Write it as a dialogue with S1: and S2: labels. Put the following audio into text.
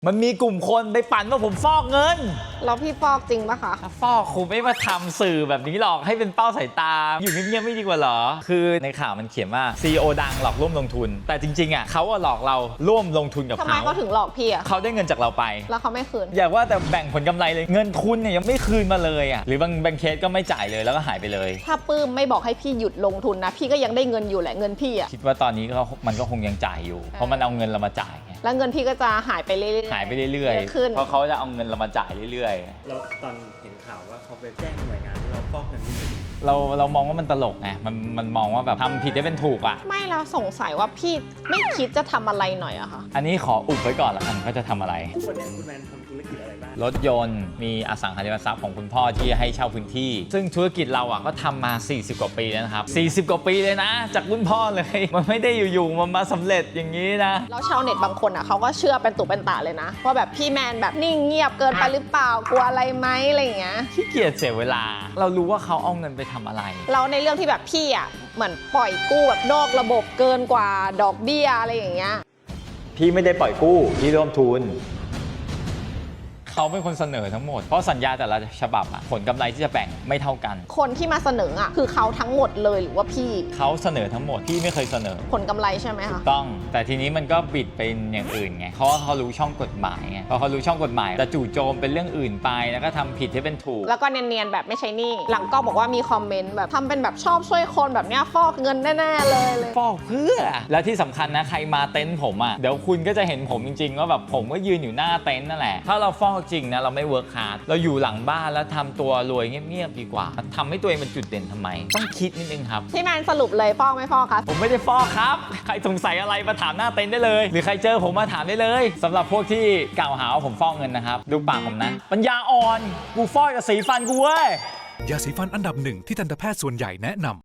S1: มันมีกลุ่มคนไปปั่นว่าผมฟอกเงิน
S2: แล้วพี่ฟอกจริงปะคะ
S1: ถ้าฟอกคงไม่มาทำสื่อแบบนี้หรอกให้เป็นเป้าสายตาอยู่เงียบๆไม่ดีกว่าหรอคือในข่าวมันเขียนว่า CEO ดังหลอกร่วมลงทุนแต่จริงๆอ่ะเขาหลอกเราร่วมลงทุนกับเขา
S2: ทำไมเขาถึงหลอกพี่อ่ะ
S1: เขาได้เงินจากเราไป
S2: แล้วเขาไม่คืน
S1: อยากว่าแต่แบ่งผลกำไรเลยเงินทุนเนี่ยยังไม่คืนมาเลยอ่ะหรือบางเคสก็ไม่จ่ายเลยแล้วก็หายไปเลย
S2: ถ้าปื้มไม่บอกให้พี่หยุดลงทุนนะพี่ก็ยังได้เงินอยู่แหละเงินพี่อ่ะ
S1: คิดว่าตอนนี้มันก็คงยังจ่ายอยู่เพราะมันเอาเงินเรามาจ่าย
S2: แล้วเงินพี่ก็จะหายไปเรื่อยๆ
S1: หายไปเรื่อยๆเพราะเขาจะเอาเงินเรามาจ่ายเรื่อย
S3: ๆแล้วตอนเห็นข่าวว่าเขาไปแจ้งหน่วยงานที่เราฟอกเงินนี่
S1: เรามองว่ามันตลกไงมันมองว่าแบบทำผิดได้เป็นถูกอ่ะ
S2: ไม่แล้วสงสัยว่าพี่ไม่คิดจะทำอะไรหน่อยอะคะ
S1: อันนี้ขออุบไว้ก่อนละกันก็จะทำอะไร
S3: ทุกวันนี้คุณแมนทำธุรกิจอะไรบ้าง
S1: รถยนต์มีอสังหาริมทรัพย์ของคุณพ่อที่ให้เช่าพื้นที่ซึ่งธุรกิจเราอ่ะก็ทำมา40กว่าปีแล้วนะครับ40กว่าปีเลยนะจากรุ่นพ่อเลยมันไม่ได้อยู่ๆมันมาสำเร็จอย่างนี้นะ
S2: แล้วชาวเน็ตบางคนอ่ะเขาก็เชื่อเป็นตุเป็นตะเลยนะว่าแบบพี่แมนแบบนิ่งเงียบเกินไปหรือเปล่ากลัวอะไรไหมอะไรอย่างเงี้ย
S1: ขี้เกียจเสียเวลาเรารู้ว่าเขาเอาเงินไปทำอะไร
S2: เราในเรื่องที่แบบพี่อ่ะเหมือนปล่อยกู้แบบนอกระบบเกินกว่าดอกเบี้ยอะไรอย่างเงี้ย
S1: พี่ไม่ได้ปล่อยกู้พี่ร่วมทุนเขาเป็นคนเสนอทั้งหมดเพราะสัญญาแต่ละฉบับอะผลกำไรที่จะแบ่งไม่เท่ากัน
S2: คนที่มาเสนออะคือเขาทั้งหมดเลยหรือว่าพี่
S1: เขาเสนอทั้งหมดพี่ไม่เคยเสนอ
S2: ผลกำไรใช่ไหมคะ
S1: ต้องแต่ทีนี้มันก็บิดเป็นอย่างอื่นไงเพราะว่าเขารู้ช่องกฎหมายไงพอเขารู้ช่องกฎหมายจะจู่โจมเป็นเรื่องอื่นไปแล้วก็ทำผิดให้เป็นถูก
S2: แล้วก็เนียนๆแบบไม่ใช่นี่หลังก็บอกว่ามีคอมเมนต์แบบทำเป็นแบบชอบช่วยคนแบบเนี้ยฟอกเงินแน่ๆเลย
S1: ฟอกเพื่อแล้วที่สำคัญนะใครมาเต็นท์ผมอะเดี๋ยวคุณก็จะเห็นผมจริงๆว่าแบบผมก็ยืนอยู่หน้าเต็นท์นั่นแหละถ้าเราฟอกจริงนะเราไม่เวิร์คฮาร์ดเราอยู่หลังบ้านแล้วทำตัวรวยเงียบๆดีกว่าทำให้ตัวเองเป็นจุดเด่นทำไมต้องคิดนิดนึงครับ
S2: พี่แมนสรุปเลยฟอกไม่ฟอกครับ
S1: ผมไม่ได้ฟอกครับใครสงสัยอะไรมาถามหน้าเต็นท์ได้เลยหรือใครเจอผมมาถามได้เลยสำหรับพวกที่กล่าวหาว่าผมฟอกเงินนะครับดูปากผมนะปัญญาอ่อนกูฟอกกับสีฟันกูเว้ย
S4: ยาสีฟันอันดับหนึ่งที่ทันตแพทย์ส่วนใหญ่แนะนำ